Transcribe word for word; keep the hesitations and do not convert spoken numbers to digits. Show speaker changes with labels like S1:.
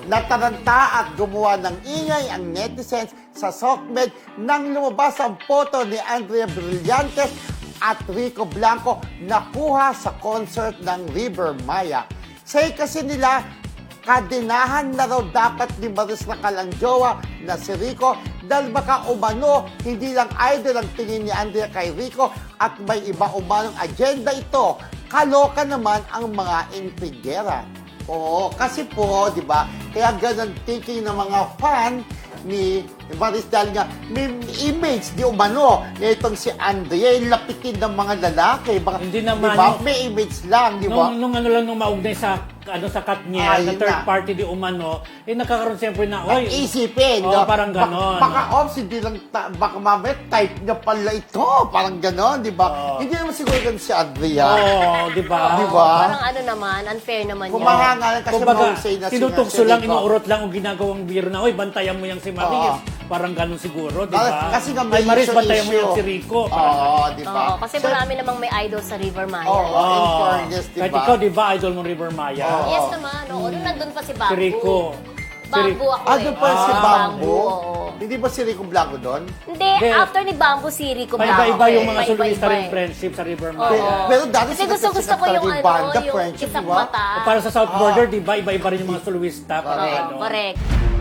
S1: Nataranta at gumawa ng ingay ang netizens sa SOCMED nang lumabas ang photo ni Andrea Brillantes at Rico Blanco na kuha sa concert ng River Maya. Say kasi nila, kadinahan na raw dapat ni Maris Racal ang jowa na si Rico dahil baka umano, hindi lang idol ang tingin ni Andrea kay Rico at may iba umanong agenda ito. Kaloka naman ang mga intrigera. Oo, kasi po, di ba, kaya ganun thinking ng mga fan ni Maris dahil nga may image di umano na itong si Andrea, yung lapitin ng mga lalaki. Baka,
S2: Hindi naman.
S1: Di ba?
S2: Yung,
S1: may image lang, di ba?
S2: nung, nung ano lang, nung maugnay sa ano sa cut niya,
S1: Ayun
S2: na third
S1: na.
S2: party di umano, eh nakakaroon siyempre na, oy,
S1: Isipin,
S2: Oo,
S1: no?
S2: parang ganon.
S1: Baka, baka ops, hindi lang, ta- baka mamaya type niya pala ito. Parang ganon, di ba?
S2: Oo.
S1: Hindi naman siguro ganun si Andrea.
S2: oo, di ba?
S1: Di ba?
S3: Parang ano naman, unfair naman
S1: Kung
S3: yun.
S1: mahangalan kasi
S2: Kumbaga,
S1: mahusay na si-
S2: tinutugso
S1: si
S2: lang,
S1: Rico.
S2: inuurot lang ang ginagawang biro na, oy, bantayan mo yung si Maris. Parang ganun siguro, di ba?
S1: Kasi nga
S2: Ay,
S1: may
S2: Maris,
S1: issue,
S2: bantayan mo
S1: issue.
S2: yung si Rico.
S1: Oo,
S2: Parang,
S1: di
S3: Oo,
S1: ba?
S3: kasi
S1: So,
S3: marami namang may idol sa River Maya.
S1: Oo,
S3: eh.
S1: in
S2: Oo.
S1: fairness, di
S2: Kahit
S1: ba?
S2: ikaw, di ba, idol mo River Maya?
S1: Oo.
S3: Yes naman, oo. Nung nandun pa si Bamboo.
S2: Si Rico.
S3: Bamboo ako
S1: Ah,
S3: eh.
S1: doon pa si
S2: Ah,
S1: Bamboo?
S3: oo.
S1: Hindi ba si Rico Blanco doon?
S3: Hindi,
S2: Hindi.
S3: after ni Bamboo, si Rico Blanco.
S2: Paiba-iba yung
S3: eh.
S2: mga
S3: Paiba-iba
S2: soloista rin
S3: eh.
S2: friendship sa River
S3: Oo.
S2: Maya.
S1: Pero dati
S3: Kasi
S1: sikat-
S3: gusto-gusto
S1: sikat
S3: ko yung
S1: talaga
S3: ano,
S1: banda,
S3: yung
S1: friendship,
S3: isang
S1: di ba?
S3: mata.
S2: O para sa South Border, di ba, iba-iba rin yung mga soloista. Parang
S3: Oo,
S2: ano.
S3: correct.